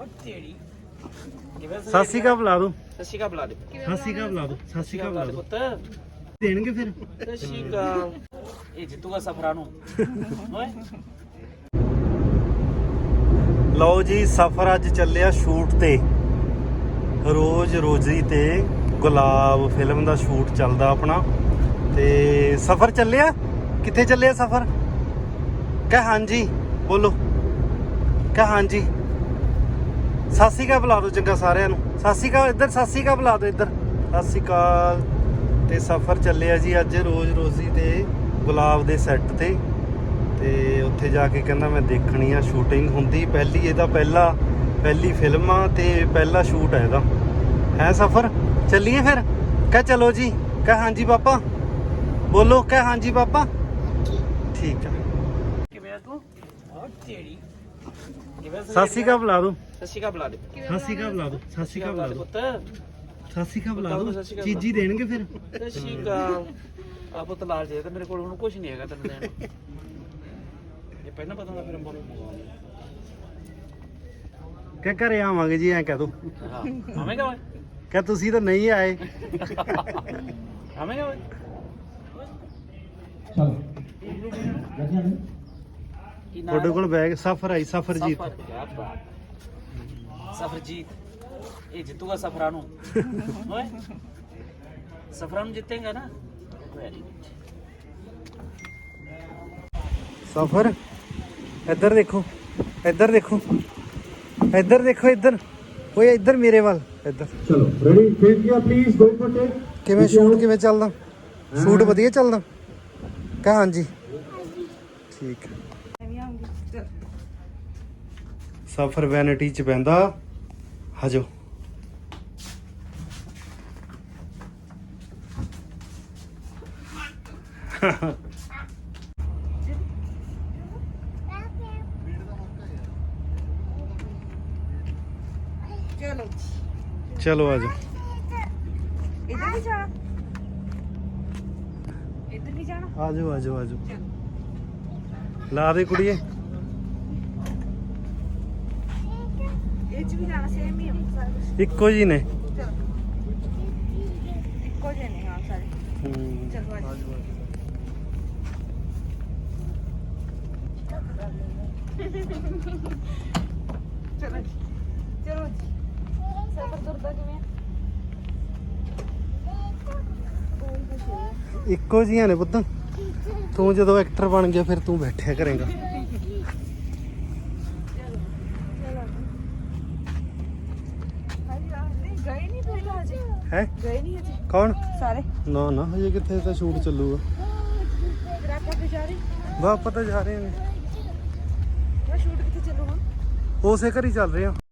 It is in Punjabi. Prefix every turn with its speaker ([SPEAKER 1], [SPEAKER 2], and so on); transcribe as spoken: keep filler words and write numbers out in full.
[SPEAKER 1] ਸਤਿ ਸ਼੍ਰੀ ਅਕਾਲ ਬੁਲਾ ਦੋ।
[SPEAKER 2] ਸਤਿ ਸ਼੍ਰੀ ਅਕਾਲ ਬੁਲਾ ਦੇ।
[SPEAKER 1] ਸਤਿ ਸ਼੍ਰੀ ਅਕਾਲ ਬੁਲਾ ਦੋ। ਸਤਿ ਸ਼੍ਰੀ ਅਕਾਲ ਬੁਲਾ ਦੋ।
[SPEAKER 2] ਪੁੱਤ
[SPEAKER 1] ਦੇਣਗੇ ਫਿਰ।
[SPEAKER 2] ਸਤਿ ਸ਼੍ਰੀ ਅਕਾਲ। ਇਹ ਜਿੱਤੂਗਾ ਸਫਰਾਂ ਨੂੰ ਓਏ।
[SPEAKER 1] ਲਓ ਜੀ, ਸਫ਼ਰ ਅੱਜ ਚੱਲਿਆ ਸ਼ੂਟ ਤੇ। ਰੋਜ਼ ਰੋਜ਼ੀ ਤੇ ਗੁਲਾਬ ਫਿਲਮ ਦਾ ਸ਼ੂਟ ਚੱਲਦਾ ਆਪਣਾ। ਤੇ ਸਫ਼ਰ ਚੱਲਿਆ। ਕਿੱਥੇ ਚੱਲਿਆ ਸਫ਼ਰ? ਕਹਿ ਹਾਂਜੀ ਬੋਲੋ। ਕਹਿ ਹਾਂਜੀ। ਸਤਿ ਸ਼੍ਰੀ ਅਕਾਲ ਬੁਲਾ ਦਿਓ ਚੰਗਾ ਸਾਰਿਆਂ ਨੂੰ। ਸਤਿ ਸ਼੍ਰੀ ਅਕਾਲ ਇੱਧਰ। ਸਤਿ ਸ਼੍ਰੀ ਅਕਾਲ ਬੁਲਾ ਦਿਓ ਇੱਧਰ। ਸਤਿ ਸ਼੍ਰੀ ਅਕਾਲ। ਤੇ ਸਫ਼ਰ ਚੱਲਿਆ ਜੀ ਅੱਜ ਰੋਜ਼ ਰੋਜ਼ੀ ਤੇ ਗੁਲਾਬ ਦੇ ਸੈੱਟ ਤੇ। ਤੇ ਉੱਥੇ ਜਾ ਕੇ ਕਹਿੰਦਾ ਮੈਂ ਦੇਖਣੀ ਆ ਸ਼ੂਟਿੰਗ ਹੁੰਦੀ ਪਹਿਲੀ, ਇਹਦਾ ਪਹਿਲਾ ਪਹਿਲੀ ਫਿਲਮ ਆ ਤੇ ਪਹਿਲਾ ਸ਼ੂਟ ਹੈ ਇਹਦਾ। ਹੈ ਸਫ਼ਰ ਚੱਲੀਏ ਫਿਰ। ਕਹਿ ਚਲੋ ਜੀ। ਕਹਿ ਹਾਂਜੀ ਪਾਪਾ ਬੋਲੋ। ਕਹਿ ਹਾਂਜੀ ਪਾਪਾ। ਠੀਕ ਆ।
[SPEAKER 2] ਕਿਵੇਂ ਆ ਤੂੰ? ਓ ਤੇਰੀ। ਕਿਵੇਂ?
[SPEAKER 1] ਸਤਿ ਸ਼੍ਰੀ ਅਕਾਲ ਬੁਲਾ ਦਿਓ।
[SPEAKER 2] ਸਤਿ ਸ਼੍ਰੀ ਅਕਾਲ ਬੁਲਾ ਦੇ।
[SPEAKER 1] ਸਤਿ ਸ਼੍ਰੀ ਅਕਾਲ ਬੁਲਾ ਦਿਓ। ਸਤਿ ਸ਼੍ਰੀ ਅਕਾਲ ਬੁਲਾ ਦਿਓ।
[SPEAKER 2] ਪੁੱਤ
[SPEAKER 1] ਸਤਿ ਸ਼੍ਰੀ ਅਕਾਲ ਬੁਲਾ ਦਿਓ। ਚੀਜ਼ੀ ਦੇਣਗੇ ਫਿਰ।
[SPEAKER 2] ਸਤਿ ਸ਼੍ਰੀ ਅਕਾਲ। ਆ ਪੁੱਤ ਲਾਲ ਜੇ ਤੇ ਮੇਰੇ ਕੋਲ ਹੁਣ ਕੁਝ ਨਹੀਂ ਹੈਗਾ ਤੈਨੂੰ ਦੇਣ ਨੂੰ। ਇਹ ਪਹਿਲਾਂ ਪਤਾ ਹੁੰਦਾ ਫਿਰ ਅੰਬਾਂ ਨੂੰ।
[SPEAKER 1] ਕਹਿ ਘਰੇ ਆਵਾਂਗੇ ਜੀ ਐਂ ਕਹਿ ਦੋ।
[SPEAKER 2] ਹਾਂ ਆਵੇਂਗਾ ਓਏ।
[SPEAKER 1] ਕਹਿ ਤੁਸੀਂ ਤਾਂ ਨਹੀਂ ਆਏ।
[SPEAKER 2] ਆਵੇਂਗਾ ਓਏ।
[SPEAKER 3] ਚਲੋ
[SPEAKER 1] ਤੁਹਾਡੇ ਕੋਲ ਬੈਗ ਸਫ਼ਰ ਆਈ ਸਫ਼ਰਜੀਤ।
[SPEAKER 2] ਸਫਰਜੀਤ ਇਹ ਜਿੱਤੂਗਾ ਸਫਰਾਂ ਨੂੰ ਓਏ। ਸਫਰਾਂ ਨੂੰ ਜਿੱਤੇਗਾ ਨਾ। Very good.
[SPEAKER 1] ਸਫ਼ਰ ਇੱਧਰ ਦੇਖੋ। ਇੱਧਰ ਦੇਖੋ। ਇੱਧਰ ਦੇਖੋ। ਇੱਧਰ ਓਏ ਇੱਧਰ ਮੇਰੇ ਵੱਲ ਇੱਧਰ।
[SPEAKER 3] ਚਲੋ ਰੈਡੀ ਫੇਸ ਗਿਆ ਪਲੀਜ਼ ਗੋ ਫॉर ਟੇਕ।
[SPEAKER 1] ਕਿਵੇਂ ਸ਼ੂਟ ਕਿਵੇਂ ਚੱਲਦਾ? ਸ਼ੂਟ ਵਧੀਆ ਚੱਲਦਾ? ਕਹ ਹਾਂਜੀ। ਠੀਕ ਹੈ। ਸਫ਼ਰ ਵੈਨਿਟੀ ਚ ਪੈਂਦਾ। ਹਜੋ
[SPEAKER 4] ਚਲੋ
[SPEAKER 1] ਚਲੋ ਆਜੋ।
[SPEAKER 4] ਇੱਧਰ ਵੀ ਜਾਣਾ। ਇੱਧਰ ਵੀ ਜਾਣਾ।
[SPEAKER 1] ਆਜੋ ਆਜੋ ਆਜੋ। ਲਾ ਦੇ ਕੁੜੀਏ।
[SPEAKER 4] ਇਹ ਚ ਵੀ ਜਾਣਾ। ਸੇਮ ਹੀ ਆ ਸਾਰੇ।
[SPEAKER 1] ਇੱਕੋ ਜੀ ਨੇ।
[SPEAKER 4] ਚਲੋ ਇੱਕੋ ਜਿਹੇ ਨੇ ਹਾਂ ਸਾਰੇ।
[SPEAKER 1] ਹੂੰ।
[SPEAKER 4] ਚਲੋ ਆਜੋ। ਚਲੋ ਜੀ ਚਲੋ ਜੀ। ਸਫ਼ਰ ਤੁਰਦਾ ਕਿਵੇਂ ਆ?
[SPEAKER 1] ਇੱਕੋ ਜੀਆਂ ਨੇ ਪੁੱਤ। ਤੂੰ ਜਦੋਂ ਐਕਟਰ ਬਣ ਗਿਆ ਫਿਰ ਤੂੰ ਬੈਠਿਆ ਕਰੇਗਾ।
[SPEAKER 4] ਗਏ ਨਹੀਂ ਫਿਰ ਹਜੇ।
[SPEAKER 1] ਹੈ
[SPEAKER 4] ਗਏ ਨਹੀਂ ਹਜੇ
[SPEAKER 1] ਕੌਣ?
[SPEAKER 4] ਸਾਰੇ।
[SPEAKER 1] ਨਾ ਨਾ ਹਜੇ ਕਿੱਥੇ ਤਾਂ ਸ਼ੂਟ ਚੱਲੂਗਾ।
[SPEAKER 4] ਫਿਰ ਆਪਾਂ ਤੇ ਜਾ ਰਹੇ।
[SPEAKER 1] ਵਾਹ ਪਤਾ ਜਾ ਰਹੇ ਨੇ।
[SPEAKER 4] ਉਹ ਸ਼ੂਟ ਕਿੱਥੇ ਚੱਲੂਗਾ?
[SPEAKER 1] ਉਸੇ ਘਰ ਹੀ ਚੱਲ ਰਹੇ ਆ।